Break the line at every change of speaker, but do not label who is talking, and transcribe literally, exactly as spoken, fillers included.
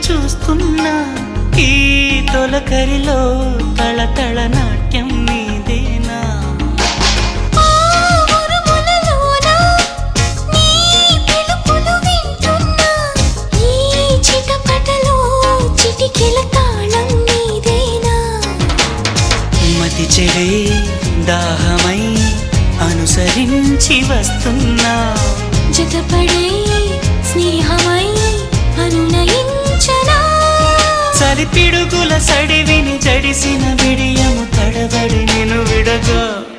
చూస్తున్నా ఈ తొలకరిలో తళతళ నాట్యం నీదేనా మతి చెడే దాహమై అనుసరించి వస్తున్నా
జతపడే స్నేహమై అనునయించనా
చలి పిడుగుల సడివిని జడిసిన విడియము తడబడి నిన్ను విడగా